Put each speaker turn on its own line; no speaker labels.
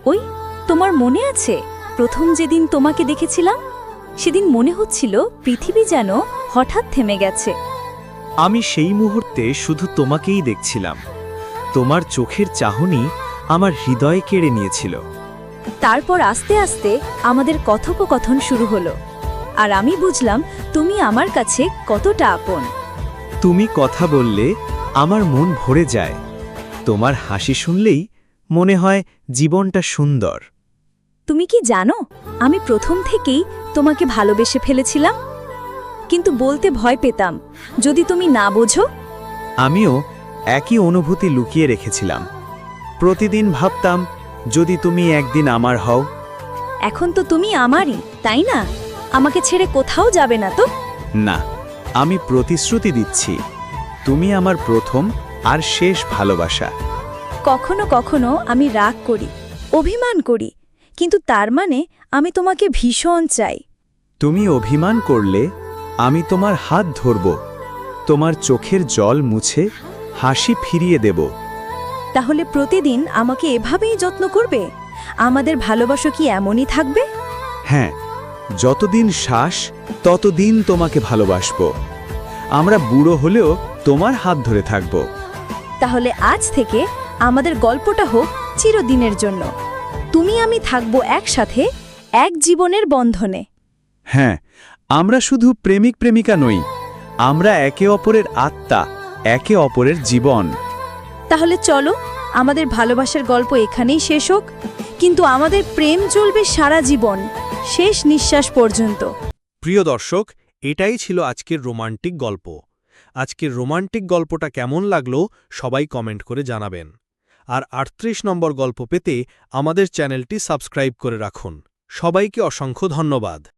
ওই তোমার মনে আছে প্রথম যেদিন তোমাকে দেখেছিলাম সেদিন মনে হচ্ছিল পৃথিবী যেন হঠাৎ থেমে গেছে।
আমি সেই মুহূর্তে শুধু তোমাকেই দেখছিলাম। তোমার চোখের চাহনি আমার হৃদয় কেড়ে নিয়েছিল।
তারপর আস্তে আস্তে আমাদের কথোপকথন শুরু হলো, আর আমি বুঝলাম তুমি আমার কাছে কতটা আপন।
তুমি কথা বললে আমার মন ভরে যায়। তোমার হাসি শুনলেই মনে হয় জীবনটা সুন্দর।
তুমি কি জানো আমি প্রথম থেকেই তোমাকে ভালোবেসে ফেলেছিলাম, কিন্তু বলতে ভয় পেতাম যদি তুমি না বোঝো।
আমিও একই অনুভূতি লুকিয়ে রেখেছিলাম। প্রতিদিন ভাবতাম যদি তুমি একদিন আমার হও।
এখন তো তুমি আমারই, তাই না? আমাকে ছেড়ে কোথাও যাবে না তো?
না, আমি প্রতিশ্রুতি দিচ্ছি, তুমি আমার প্রথম আর শেষ ভালোবাসা।
কখনো কখনো আমি রাগ করি, অভিমান করি, কিন্তু তার মানে আমি তোমাকে ভীষণ চাই।
তুমি অভিমান করলে আমি তোমার হাত ধরব, তোমার চোখের জল মুছে হাসি ফিরিয়ে দেব।
তাহলে প্রতিদিন আমাকে এভাবেই যত্ন করবে? আমাদের ভালোবাসা কি এমনই থাকবে?
হ্যাঁ, যতদিন শ্বাস ততদিন তোমাকে ভালোবাসব। আমরা বুড়ো হলেও তোমার হাত ধরে থাকব।
তাহলে আজ থেকে আমাদের গল্পটা হোক চিরদিনের জন্য। তুমি আমি থাকবো একসাথে, এক জীবনের বন্ধনে।
হ্যাঁ, আমরা শুধু প্রেমিক প্রেমিকা নই, আমরা একে অপরের আত্মা, একে অপরের জীবন।
তাহলে চলো আমাদের ভালোবাসার গল্প এখানেই শেষ হোক, কিন্তু আমাদের প্রেম চলবে সারা জীবন, শেষ নিঃশ্বাস পর্যন্ত।
প্রিয় দর্শক, এটাই ছিল আজকের রোমান্টিক গল্প। আজকের রোমান্টিক গল্পটা কেমন লাগলো সবাই কমেন্ট করে জানাবেন। আর ৩৮ নম্বর গল্প পেতে আমাদের চ্যানেলটি সাবস্ক্রাইব করে রাখুন। সবাইকে অসংখ্য ধন্যবাদ।